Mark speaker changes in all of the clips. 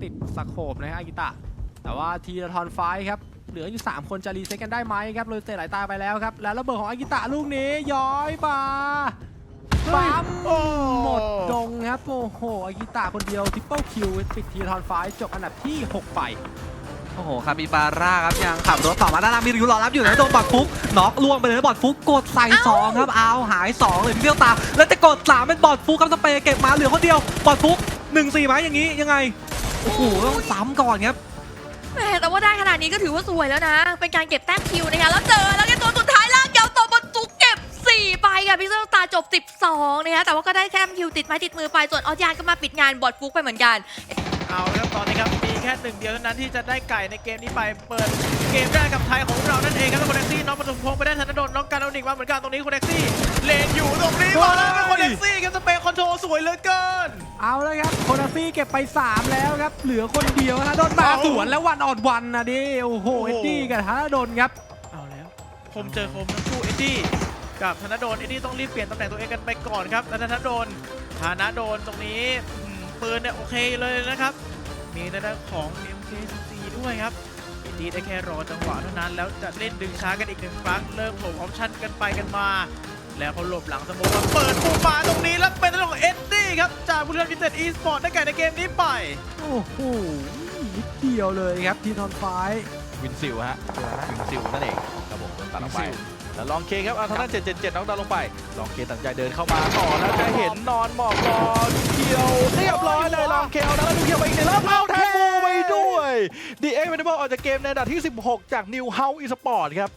Speaker 1: ติดสโคปนะครับอากิตะแต่ว่าทีละทอนไฟครับเหลืออยู่3คนจะรีเซ็ตกันได้ไหมครับเลยเตะไหลตาไปแล้วครับแล้วระเบิดของอากิตะลูกนี้ย้อยมาปั๊มหมดดงครับโอ้โหอากิตะคนเดียวทริปเปิลคิวปิดทีละทอนไฟจบอันดับที่6ไป
Speaker 2: โอ้โหคาปิบาร่าครับยังขับรถต่อมาด้านล่างมีริวรอรับอยู่นะโดนบอดฟุกน็อกล่วงไปเลยบอดฟุกกดใส่2ครับเอาหาย2เลยพี่เบี้ยวตาแล้วจะกด3เป็นบอดฟุกครับสเปย์เก็บมาเหลือคนเดียวบอดฟุก1-4ไหมอย่างนี้ยังไงโอ้โหต้องซ้ำก่อนครับ
Speaker 3: แหมแต่ว่าได้ขนาดนี้ก็ถือว่าสวยแล้วนะเป็นการเก็บแต้มคิวนะคะแล้วเจอแล้วก็ตัวสุดท้ายลากยาวตัวบอลฟุกเก็บ4ไปค่ะพี่เบี้ยวตาจบ12นะคะแต่ว่าก็ได้แค่คิวติดไม้ติดมือไปส่วนออสยานก็มาปิดงานบอดฟุกไปเหมือนกัน
Speaker 4: เอาละครับตอนนี้ครับมีแค่1เดียวเท่านั้นที่จะได้ไก่ในเกมนี้ไปเปิดเกมแรกกับไทยของเรานั่นเองครับแล้วคนแท็กซี่น้องปฐมพงศ์ไปได้ธนดลน้องการเอาหนิกมาเหมือนกันตรงนี้คนแท็กซี่เลนอยู่ตรงนี้มาแล้วเป็นคนแท็กซี่ครับสเปคคอนโทรลสวยเหลือเกิน
Speaker 1: เอาเลยครับโคนาฟี่เก็บไป3แล้วครับเหลือคนเดียวนะโดนมาสวนแล้ววันออดวันนะดิโอ้โหเอ็ดดี้กับธนดลครับ
Speaker 4: เอาแล้วคมเจอคมทั้งคู่เอ็ดดี้กับธนดลเอ็ดดี้ต้องรีบเปลี่ยนตำแหน่งตัวเองกันไปก่อนครับแล้วธนดลตรงนี้ปืนเนี่ยโอเคเลยนะครับมีในด้านของ MK14 ด้วยครับเอ็ดดี้ได้แค่รอจังหวะเท่านั้นแล้วจะเล่นดึงช้ากันอีก1ครั้งเริ่มโผล่ออปชั่นกันไปกันมาแล้วเขาหลบหลังสมมติว่าเปิดปูมาตรงนี้แล้วเป็นเรื่องของเอ็ดดี้ครับจากบุรีรัมย์ยูไนเต็ดอีสปอร์ตได้ไก่ในเกมนี้ไป
Speaker 1: โอ้โหนิดเดียวเลยครับทีทอนไฟ
Speaker 5: วินซิลฮะวินซิลนั่นเองครับผมตัดออกไปแล้วลองเคครับเอาทางด้าน777น้องดาวลงไปลองเคตัดใจเดินเข้ามาต่อแล้วจะเห็นนอนหมอบรอเคียวเรียบร้อยเลยลองเคเอาแล้วดูเคียวไปอีกหนึ่งแล้วเอาแทนบูไปด้วยดีเอ็กซ์เวนเดอร์ออกจากเกมในอันดับที่16จากนิวเฮาส์อีสปอร์ตครับ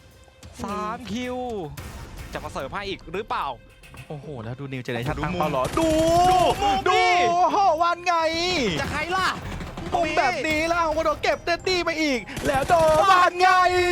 Speaker 5: 3คิวจะมาเสิร์ฟให้อีกหรือเปล่าโอ้โหแล้วดูนิวเจเนชั่นตั้งเป้ารอดูโหวันไง
Speaker 2: จะใครล่ะ
Speaker 5: มุมแบบนี้แล้วของโดนเก็บเต็ดดี้ไปอีกแล้วโดนวันไง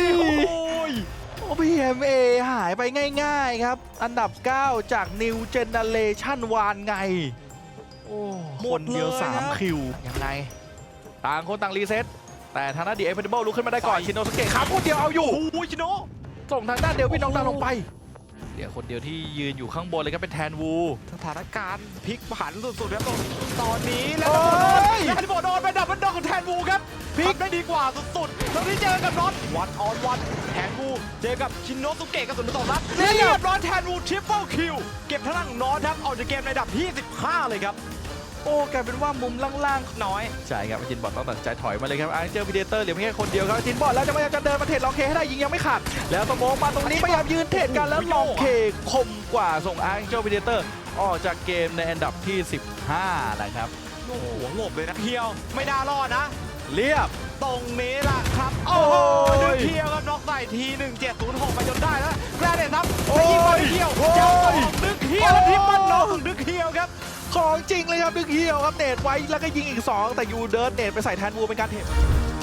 Speaker 5: PMA หายไปง่ายๆครับอันดับ9จาก New Generation วานไงโอ้คนเดียว3คิวยังไงต่างคนต่างรีเซ็ตแต่ทางด้านดีเอ็กซ์เพนเบิลลุกขึ้นมาได้ก่อนชินโนสเกะครับคนเดียวเอาอยู่ชิโนส่งทางด้านเดวิดน้องดาวลงไปเดี๋ยวคนเดียวที่ยืนอยู่ข้างบนเลยครับเป็นแทนวู
Speaker 2: สถานการณ์พลิกผันสุดๆครับตอนนี้แล้วโดนไปดับมันดอกของแทนวูครับพลิกได้ดีกว่าสุดๆตอนนี้เจอกับน็อตวันออนวันแทนวูเจอกับชินโนสุเกะกระสุนต่อรับเรียบร้อยแทนวูทริปเปิลคิวเก็บพลังน็อตครับออกจากเกมในอันดับที่15เลยครับ
Speaker 5: โอ้กลายเป็นว่ามุมล่างๆน้อยใช่ครับจินบอลต้องตัดใจถอยมาเลยครับอังเจอร์พีเดเตอร์เหลือเพียงแค่คนเดียวครับจินบอลแล้วจะพยายามจะเดินมาเทรดลองเคให้ได้ยิงยังไม่ขาดแล้วสโมองมาตรงนี้พยายามยืนเทรดกันแล้วลองเคคมกว่าส่งอังเจอร์พีเดเตอร์ออกจากเกมในอันดับที่15นะครับ
Speaker 2: โอ้โหหลบเลยนะเพียวไม่น่ารอดนะ
Speaker 5: เรียบ
Speaker 2: ตรงนี้ล่ะครับโอ้ดึงเพียวครับน็อกใส่ที1706ไปจนได้แล้วแกรเดนครับไปยิงบอลเพียวเจ้าของดึงเพียวแล้วที่มันน็อกดึงเพียวครับ
Speaker 5: ของจริงเลยครับดึงเฮียวครับเนตไว้แล้วก็ยิงอีก2แต่ยูเดิร์นเนตไปใส่แทนวูเป็นการเท